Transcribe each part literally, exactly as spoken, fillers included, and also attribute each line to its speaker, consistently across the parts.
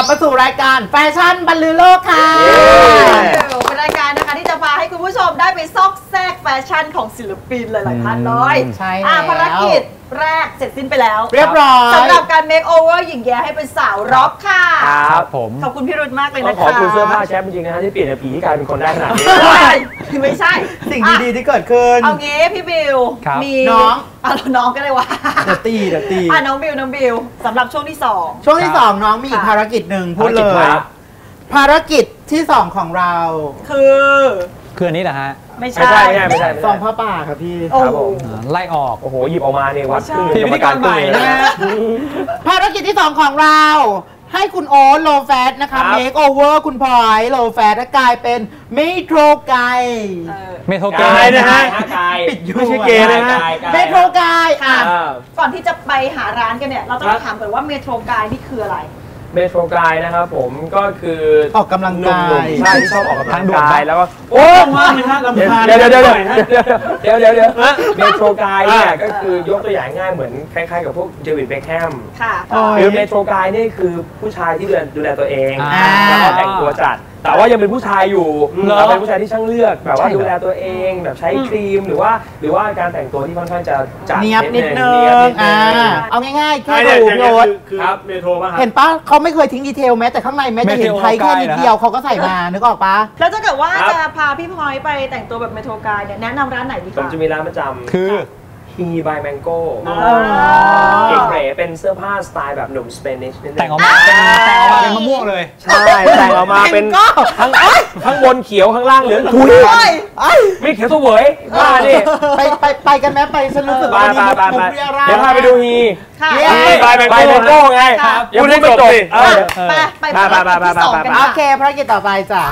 Speaker 1: ลับมาสู่รายการแฟชั่นบรรลือโลกค่ะ
Speaker 2: เป็นรายการนะคะที่จะพาให้คุณผู้ชมได้ไปซอกแซกแฟชั่นของศิลปินหลายๆท่านเลย
Speaker 1: ใช่แล้ว
Speaker 2: ภารกิจแรกเสร็จสิ้นไปแล้ว
Speaker 1: เรียบร้อย
Speaker 2: สำหรับการเมคโอเวอร์หญิงแย้ให้เป็นสาวร็อกค่ะ
Speaker 3: ครับผม
Speaker 2: ขอบคุณพี่รุ่นมากเลยนะคะ
Speaker 3: ขอบคุณเสื้อผ้าแชมป์จริงๆนะที่เปลี่ยนผีกลายเป็นคนได้ขนาดนี้
Speaker 2: ไม่ใช่
Speaker 1: สิ่งดีๆที่เกิดขึ้น
Speaker 2: เอางี้พี่บิวมี
Speaker 1: น้อง
Speaker 2: อ่ะน้องก็เลยว่า
Speaker 1: เดตีเดตี
Speaker 2: อ่ะน้องบิวน้องบิวสำหรับช่วงที่สอง
Speaker 1: ช่วงที่สองน้องมีอีกภารกิจหนึ่งพูดเลยภารกิจที่สองของเรา
Speaker 2: คือ
Speaker 4: คืออันนี้แหละฮะ
Speaker 2: ไม่ใช่
Speaker 3: ไม่ใช่ไม่ใช่
Speaker 1: ซองผ้าป่าครับพี่
Speaker 3: ครับผม
Speaker 4: ไล่ออก
Speaker 3: โอ้โหหยิบออกมาเนี่ยวัดขึ้น
Speaker 4: พิธีกรใหม่นะ
Speaker 1: ภารกิจที่สองของเราให้คุณโอ๊ตโลแฟตนะคะเมคโอเวอร์คุณพลอยโลแฟตกลายเป็นเมโทรไก
Speaker 4: เมโทรไก
Speaker 3: นะฮะ
Speaker 1: ปิดยู
Speaker 3: ไม่ใช่เกย์นะฮะ
Speaker 1: เมโทรไกอ่ะ
Speaker 2: ก่อนที่จะไปหาร้านกันเนี่ยเราต้องถามก่อนว่าเมโทรไกนี่คืออะไร
Speaker 3: เมโทรไกนะครับผมก็คือ
Speaker 1: ออกกำลังกาย
Speaker 3: ใช่ที่ชอบออกกำลังกายแล้วก็
Speaker 1: โอ้มากเลยฮะลำพาน
Speaker 3: เดี๋ยวเดี๋ยวเดี๋ยวเดี๋ยวเดี๋ยวเดี๋ยวเมโทรไกเนี่ยก็คือยกตัวอย่างง่ายเหมือนคล้ายๆกับพวกเดวิดเบคแฮม
Speaker 2: ค่ะ
Speaker 3: คือเมโทรไกนี่คือผู้ชายที่ดูแลตัวเองแล้วก็แต่งตัวจัดแต่ว่ายังเป็นผู้ชายอยู่เราเป็นผู้ชายที่ช่างเลือกแบบว่าดูแลตัวเองแบบใช้ครีมหรือว่าหรือว่าการแต่งตัวที่ค่อนข้างจะจัด
Speaker 1: เนียบนิดนึงอ่าเอาง่ายๆแค่ดูโน้ต
Speaker 3: ครับเมโทรป่ะ
Speaker 1: เห็นปะเขาไม่เคยทิ้งดีเทลแม้แต่ข้างในแม้จะเห็นไทยแค่นิดเดียวเขาก็ใส่มานึกออกปะ
Speaker 2: แล้วถ้าเกิดว่าจะพาพี่พลอยไปแต่งตัวแบบเมโทรไกเนี่ยแนะนำร้านไหนดีคะ
Speaker 3: ผมจะมีร้านประจำ
Speaker 4: คือ
Speaker 3: ฮีบายแมงโก้เก๋ๆเป็นเสื้อผ้าสไตล์แบบหนุ่มสเปนิช
Speaker 4: แต่งออกมาเป็นแต่งออกมาเป็นมะม่วงเลย
Speaker 3: ใช่แต่งออกมาเป็นทั้งข้างบนเขียวข้างล่างเหลืองทุยไม่เขียวตัวเหวยบ้าดิ
Speaker 1: ไปไปไปกันไหมไปฉันรู้สึกว่า
Speaker 3: นี่มุกเรียราเดี๋ยวพาไปดูฮีฮีบายแมงโก้ไงยังไม่จบสิ
Speaker 2: ไปไปไปไปไปไป
Speaker 1: โอเคภารกิจต่อไปจ้ะ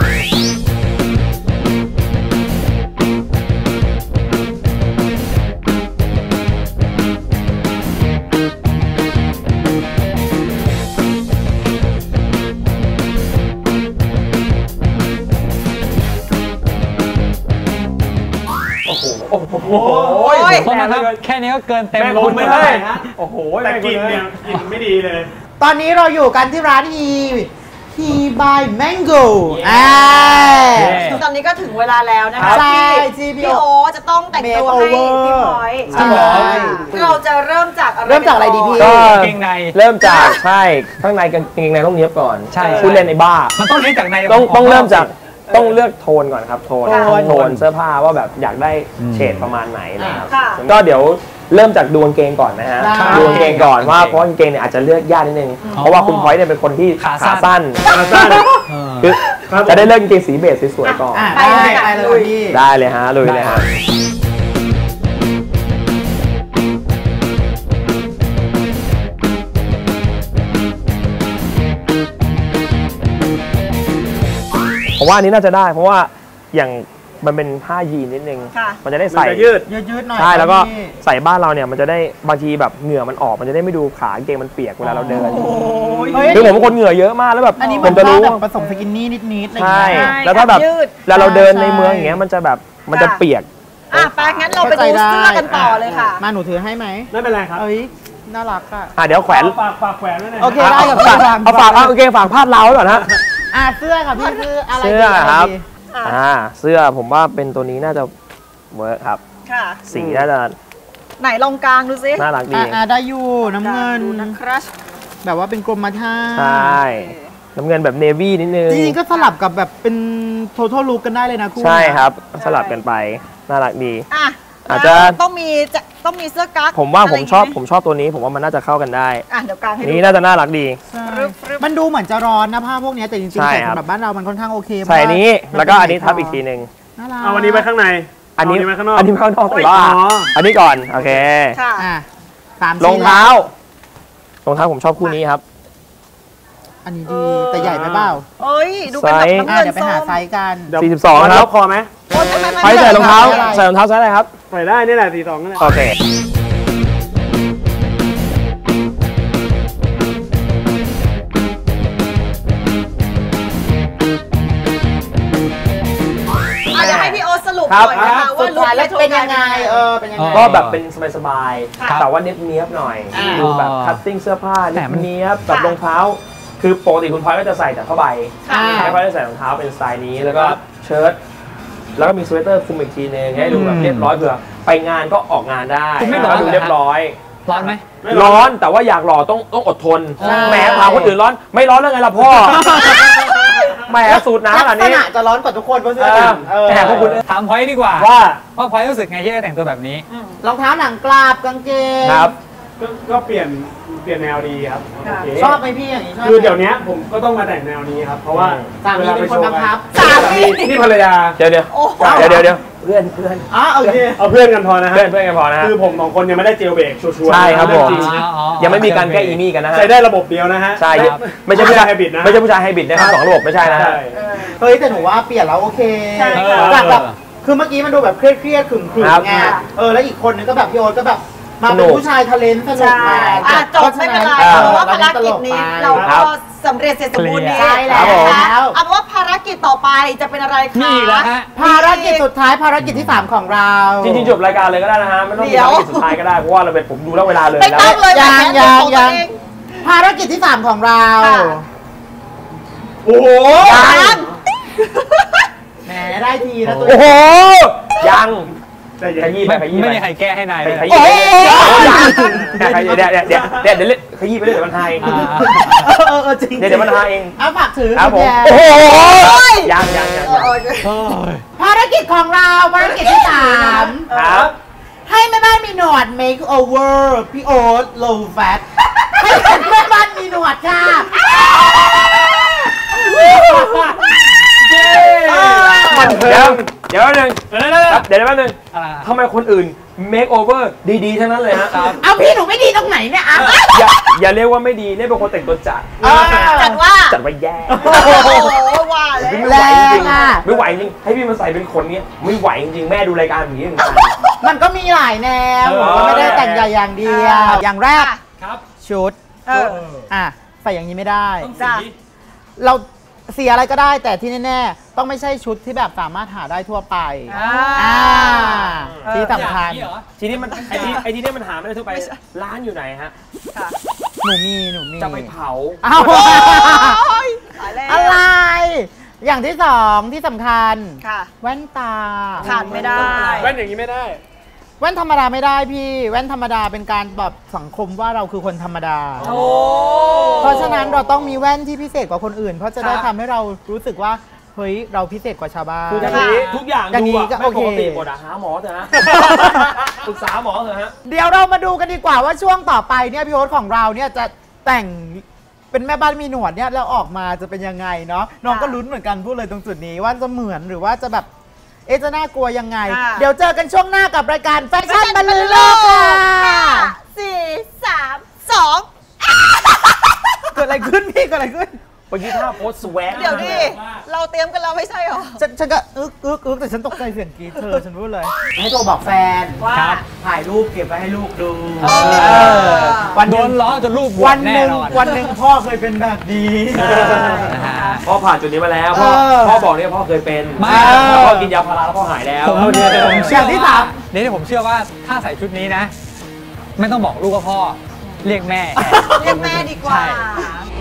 Speaker 3: โอ้โห
Speaker 4: เพราะมันแค่นี้ก็เกินเต็ม
Speaker 3: ลงไม่ได้โอ้โหแต่กินเนี่ยกินไม่ดีเลย
Speaker 1: ตอนนี้เราอยู่กันที่ร้านฮีฮีบายแมงโก้อ่า
Speaker 2: ตอนนี้ก็ถึงเวลาแล้วนะคะที่พี่โอจะต้องแต่งตัวให้พี่พลอย
Speaker 1: ใช่
Speaker 2: เราจะเริ่มจากอะไร
Speaker 1: เริ่มจากอะไรดีพี่
Speaker 3: ก็เกงในเริ่มจากใช่ข้างในกางเกงในต้องเนี้ยบก่อน
Speaker 4: ใช่
Speaker 3: พูดเล่นในบ้า
Speaker 4: มันต้องเริ่มจากใน
Speaker 3: ต้องต้องเริ่มจากต้องเลือกโทนก่อนครับโทนโทนเสื้อผ้าว่าแบบอยากได้เฉดประมาณไหนนะครับก็เดี๋ยวเริ่มจากดูกางเกงก่อนนะฮะดูกางเกงก่อนว่าเพราะกางเกงเนี่ยอาจจะเลือกยากนิดนึงเพราะว่าคุณพลอยเนี่ยเป็นคนที่ขาสั้นขาสั้นคือจะได้เลือกกางเกงสีเบสสวยๆก่อน
Speaker 1: ได้เลย
Speaker 3: ได้เลยฮะลุยเลยฮะผมว่าอันนี้น่าจะได้เพราะว่าอย่างมันเป็นผ้ายีนนิดนึงมันจะได้ใส่
Speaker 1: ยืดยืดหน่อย
Speaker 3: ใช่แล้วก็ใส่บ้านเราเนี่ยมันจะได้บางทีแบบเหงื่อมันออกมันจะได้ไม่ดูขาเกงมันเปียกเวลาเราเดินคือผมเป็นคนเหงื่อเยอะมากแล้วแบบ
Speaker 1: ผมจะรู้ผสมสกินนี่นิดๆอะไรอย่างเงี้
Speaker 3: ยแล้วถ้าแบบแล้วเราเดินในเมืองอย่างเงี้ยมันจะแบบมันจะเปียก
Speaker 2: อ่ะไปงั้นเราไปดูเสื้อกันต่อเลยค่ะ
Speaker 1: มาหนูถือให้ไหม
Speaker 3: ไม่เป็นไรครับ
Speaker 1: เอ้ยน่ารักค่ะ
Speaker 3: อ่ะเดี๋ยวแขวน
Speaker 1: ฝากฝากแขวนไว้หน่อย
Speaker 3: โอเคได้กับฝากเอาฝากเอาโอเคฝากพาดเราก่อนฮะ
Speaker 1: อ่ะเสื้อค่ะพี่คืออะไร
Speaker 3: เสื้อครับอ่าเสื้อผมว่าเป็นตัวนี้น่าจะเวิร์คครับ
Speaker 2: ค่ะ
Speaker 3: สีน่าจะ
Speaker 2: ไหนลองกลางดูซิ
Speaker 3: น่ารักดี
Speaker 1: อ่าได้อยู่น้ำเงิน
Speaker 2: ครัช
Speaker 1: แบบว่าเป็นกรมท่า
Speaker 3: ใช่น้ำเงินแบบเนวี่นิดนึง
Speaker 1: จริงๆก็สลับกับแบบเป็นโททัลลุคกันได้เลยนะคุณ
Speaker 3: ใช่ครับสลับกันไปน่ารักดี
Speaker 2: อ่ะ
Speaker 3: อาจจะ
Speaker 2: ต้องมีจะต้องมีเสื้อกั๊ก
Speaker 3: ผมว่าผมชอบผมชอบตัวนี้ผมว่ามันน่าจะเข้ากันได้
Speaker 2: อ่ะเดี๋ยวกลางให้
Speaker 3: นี่น่าจะน่ารักดี
Speaker 1: มันดูเหมือนจะร้อนนะผ้าพวกนี้แต่จริงๆใส่สำหรับบ้านเรามันค่อนข้างโอเค
Speaker 3: ใส่นี้แล้วก็อันนี้ทับอีกทีหนึ่ง
Speaker 1: เอา
Speaker 3: อันนี้ไว้ข้างในอันนี้
Speaker 1: ไว้ข้างนอก
Speaker 3: อันนี้ไว้ข้างนอกแต่ว่าอันนี้ก่อนโอเค
Speaker 2: ค่ะ
Speaker 3: รองเท้ารองเท้าผมชอบคู่นี้ครับ
Speaker 1: อันนี้ดีแต่ใหญ่ไปเปล่า
Speaker 2: เอ้ยดูเป็นแบบ
Speaker 1: เดี๋ยวไปหาไซส์กัน
Speaker 3: สี่สิบสองครับพอไหมใส่ใส่รองเท้าใส่รองเท้าไซส์อะไรครับ
Speaker 1: ใส่ได้นี่แหละสี่สิบสองนั่นแหละ
Speaker 3: โอเค
Speaker 2: อยากให้พี่โอสรุปหน่อยนะคะว่าลุค
Speaker 1: เป็นยังไงเออเป็นยังไง
Speaker 3: ก็แบบเป็นสบายๆแต่ว่าเนี้ยบๆหน่อยดูแบบคัตติ้งเสื้อผ้าเนี้ยบกับรองเท้าคือปกติคุณพลอยก็จะใส่แต่ผ้าใบ
Speaker 2: ค่ะ
Speaker 3: ไม่ค่อยได้ใส่รองเท้าเป็นสไตล์นี้แล้วก็เชิ้ตแล้วก็มีสเวตเตอร์คลุมอีกทีนึงให้ดูแบบเรียบร้อยเผื่อไปงานก็ออกงานได้
Speaker 4: คุณไม่ร้อน
Speaker 3: ดู
Speaker 4: เหรอ
Speaker 3: เรียบร้อย
Speaker 4: ร้อนไหม
Speaker 3: ร้อนแต่ว่าอยากหล่อต้องต้องอดทน
Speaker 1: ใช่
Speaker 3: แหมถามคนอื่นร้อนไม่ร้อนแล้วไงล่ะพ่อแหมสูตรน้ำขนาดนี้
Speaker 1: ลักษณะจะร้อนกว่าทุกคนเพราะเสื้อ
Speaker 3: เออ
Speaker 1: เออ
Speaker 3: แต่พวกคุณ
Speaker 4: ถามพอยดีกว่า
Speaker 3: ว่า
Speaker 4: ว่าพอยรู้สึกไงที่ได้แต่งตัวแบบนี้
Speaker 1: รองเท้าหนังกลาบกางเกง
Speaker 3: ครับ
Speaker 5: ก็ก็เปลี่ยนเปลี่ยนแนวดีครับ
Speaker 2: ค่ะ
Speaker 5: โอเค
Speaker 1: ชอบไหมพี่อย่างนี้ชอบไหม
Speaker 5: คือเดี๋ยวนี้ผมก็ต้องมาแต่งแนวนี้ครับ เพราะว่า
Speaker 1: สามีเป็นคนบังคับ
Speaker 5: สามีนี่ภรรยา
Speaker 3: เดี๋ยวเดี๋ยว
Speaker 2: โอ้โห
Speaker 3: เดี๋ยวเดี๋ยวเดี๋ยวเพื่อนเพื่อน
Speaker 1: อ๋อโอเค
Speaker 5: เอาเพื่อนกันพอนะฮะ
Speaker 3: เพื่อนเพื่อนกันพอนะฮะ
Speaker 5: คือผมสองคนยังไม่ได้เจลเบรกชัวร์ๆ
Speaker 3: ใช่ครับผม
Speaker 5: เองจง
Speaker 3: ยังไม่มีการแก้อีมี่กันนะฮะ
Speaker 5: ใช้ได้ระบบเดียวนะฮะ
Speaker 3: ใช่
Speaker 5: ไม่
Speaker 3: ไม่ใช่ผู้ชาย
Speaker 5: ไฮบริดนะ
Speaker 3: ไม่ใช่ผู้ชายไฮบริดนะครับสองระบบไม่ใช่นะฮะ
Speaker 5: ใช่
Speaker 1: เฮ้ยแต่หนูว่าเปลี่ยนแล้วโอเค
Speaker 2: ใช่ค่ะ
Speaker 1: จากแบบคือเมื่อกี้มันดูแบบเครียดเครียดๆขึงขึง
Speaker 3: ครับ
Speaker 1: ไงเออแล้วอีกคนนึงก็แบบพี่โอ๊ตก็แบบมา
Speaker 3: สนุ
Speaker 1: เป็น
Speaker 3: ก
Speaker 1: ผู้ชายทะเลนสนุก
Speaker 2: ใช่
Speaker 1: มา
Speaker 2: อ่ะจบไม่เป็นไร
Speaker 3: อ่า
Speaker 2: เพราะว่าภารกิจนี้เรา
Speaker 3: ครั
Speaker 2: ก็
Speaker 3: บ
Speaker 2: สำเร็จเสร็จสมบูรณ์ดี
Speaker 1: ใช่แล้ว
Speaker 2: นะคะเอาเป็นว่าภารกิจต่อไปจะเป็นอะไรคะ
Speaker 4: มีอีกแล้วฮะ
Speaker 1: ภารกิจสุดท้ายภารกิจที่สามของเรา
Speaker 3: จริงๆจบรายการเลยก็ได้นะฮะไม่ต้องมีภารกิจสุดท้ายก็ได้เพราะว่าเราเป็นผมดูแล้วเวลาเลย
Speaker 2: ไม่
Speaker 3: แล้ว
Speaker 2: ต้องเลย
Speaker 1: ยัง
Speaker 2: แหม
Speaker 1: ยัง
Speaker 2: ของตัว
Speaker 1: ยัง
Speaker 2: เอง
Speaker 1: ภารกิจที่สามของเรา
Speaker 2: ค่ะ
Speaker 5: โอ้โห
Speaker 2: ยัง
Speaker 1: แหมได้ทีนะตัว
Speaker 3: โอ้โหยัง
Speaker 5: แต่อย่า
Speaker 3: ขยี้ไปขยี้
Speaker 4: ไม่
Speaker 3: ไป
Speaker 4: มีใครแก้ให้นายเลย
Speaker 3: ขยี้ไปเดี๋ยวขยี้เดี๋ยวเดี๋ยวเดี๋ยวเดี๋ยวเดี๋ยวขยี้ไปเรื่อยเดี๋ยวมันหายเอง
Speaker 4: อ่า
Speaker 1: เออเออจริง
Speaker 3: เดี๋ยวเดี๋ยวมันหายเอง
Speaker 1: เอาฝากถือ
Speaker 3: ครับผม
Speaker 1: ณแย่
Speaker 3: โอ้โหยังยังยัง
Speaker 2: เออ
Speaker 4: โอ้ย
Speaker 1: ภารกิจของเราภารกิจที่สาม
Speaker 3: ครับ
Speaker 1: ให้แม่บ้านมีหนวด make over พี่โอ๊ต low fat ให้เป็นแม่บ้านมีหนวดค่ะ
Speaker 3: มันเดี๋ยวเดี๋ยวแป๊บนึง
Speaker 4: เดี๋ยวเดี๋ยวเดี๋ยว
Speaker 3: ครับเดี๋ยวแป๊บนึง
Speaker 4: อะไร
Speaker 3: ทำไมคนอื่น make over ดีๆทั้งนั้นเลยฮะ
Speaker 1: เอาพี่หนูไม่ดีตรงไหนเนี่ยอ่ะ
Speaker 3: อย่าอย่าเรียกว่าไม่ดีเรียกเป็นคนแต่งตัวจัด
Speaker 1: เออ
Speaker 2: จัดว่า
Speaker 3: จัดไว้แย่
Speaker 2: โอ้โหว่าเลย
Speaker 3: ไม่ไหวจริง
Speaker 1: แรงอะ
Speaker 3: ๆไม่ไหวจริงให้พี่มาใส่เป็นคนเนี้ยไม่ไหวจริงๆแม่ดูรายการอย่างนี้เหมือนกัน
Speaker 1: มันก็มีหลายแนว
Speaker 3: เออ
Speaker 1: ก็ไม่ได้แต่งใหญ่อย่างเดียว อย่างแรก
Speaker 4: ครับ
Speaker 1: ชุด
Speaker 2: เออ
Speaker 1: อ่ะใส่อย่างนี้ไม่ได้
Speaker 4: ต้อง
Speaker 2: จ้ะ
Speaker 4: สี
Speaker 1: เราเสียอะไรก็ได้แต่ที่แน่ๆต้องไม่ใช่ชุดที่แบบสามารถหาได้ทั่วไป
Speaker 2: อ่า
Speaker 1: อ่า
Speaker 2: เออ
Speaker 1: ที่สำคัญ
Speaker 4: อย่างนี้เหรอ
Speaker 3: ทีนี้มันไอทีไอทีนี้มันหาไม่ได้ทั่วไปร้านอยู่ไหนฮะ
Speaker 2: ค่ะ
Speaker 1: หนูมีหนูมี
Speaker 3: จะไปเผา
Speaker 1: อ้าว
Speaker 2: โอ้ยตายแล้ว
Speaker 1: อะไร อย่างที่สองที่สำคัญ
Speaker 2: ค่ะ
Speaker 1: แว่นตา
Speaker 2: ขาดไม่ได้
Speaker 5: แว่นอย่างนี้ไม่ได้
Speaker 1: แว่นธรรมดาไม่ได้พี่ แว่นธรรมดาเป็นการแบบสังคมว่าเราคือคนธรรมดา
Speaker 2: โอ้
Speaker 1: เพราะฉะนั้นเราต้องมีแว่นที่พิเศษกว่าคนอื่น เพราะจะได้
Speaker 2: ค่ะ
Speaker 1: ทำให้เรารู้สึกว่าเฮ้ยเราพิเศษกว่าชาวบ้าน
Speaker 3: คืออย่างนี้ทุกอย่าง
Speaker 1: อย่าง
Speaker 3: ดู
Speaker 1: นี้
Speaker 3: อะ
Speaker 1: ก็
Speaker 3: ไม่
Speaker 1: โอเค
Speaker 3: ปกติหมดอะหาหมอเถอะฮะปรึกษาหมอเถอะฮะ
Speaker 1: เดี๋ยวเรามาดูกันดีกว่าว่าช่วงต่อไปเนี่ยพี่โอ๊ตของเราเนี่ยจะแต่งเป็นแม่บ้านมีหนวดเนี่ยแล้วออกมาจะเป็นยังไงเนาะน้องก็ลุ้นเหมือนกันพูดเลยตรงจุดนี้ว่าจะเหมือนหรือว่าจะแบบเอะจะน่ากลัวยังไง
Speaker 2: ค่ะ
Speaker 1: เดี๋ยวเจอกันช่วงหน้ากับรายการแฟชั่นบรรลือโลกค่ะ
Speaker 2: สี่สามสอง
Speaker 1: เกิดอะไรขึ้นพี่เกิดอะไรขึ้น
Speaker 3: เมื่อกี้ท่าโพสสแวก
Speaker 2: เดี๋ยวดิ เราเตรียมกันแล้วไม่ใช่หรอ
Speaker 1: ฉันฉันก็อึกอึกอึกแต่ฉันตกใจเสียงกรี๊ดเธอฉันพูดเลย ให้โทรบอกแฟน
Speaker 2: ว่า
Speaker 4: ครับ
Speaker 1: ถ่ายรูปเก็บไว้ให้ลูกดู
Speaker 2: เออ
Speaker 1: วันห
Speaker 4: โด
Speaker 1: นึ่ง
Speaker 4: นล้อจนรูปบว
Speaker 1: วั
Speaker 4: ช
Speaker 1: นห
Speaker 4: แน่
Speaker 1: นึ่ง
Speaker 4: นอน
Speaker 1: วันหนึ่งพ่อเคยเป็นแบบนี้
Speaker 4: นะฮะ
Speaker 3: พ่อผ่านจุดนี้มาแล้วพ่อ
Speaker 1: เออ
Speaker 3: พ่อบอกเนี่ยพ่อเคยเป็น
Speaker 4: ไม่
Speaker 3: แล้วพ่อกินยาพาราแล้วพ่อหายแล้ว
Speaker 4: ผม
Speaker 3: เอาเนี่ย
Speaker 4: ผม
Speaker 1: อ
Speaker 4: เชื่อย่าง
Speaker 1: ที่
Speaker 4: ว่า
Speaker 1: สาม
Speaker 4: นี่ผมเชื่อว่าถ้าใส่ชุดนี้นะ ไม่ต้องบอกลูกว่าพ่อ เรียกแม่
Speaker 2: เรียกแม่ดีกว่า
Speaker 4: ใช่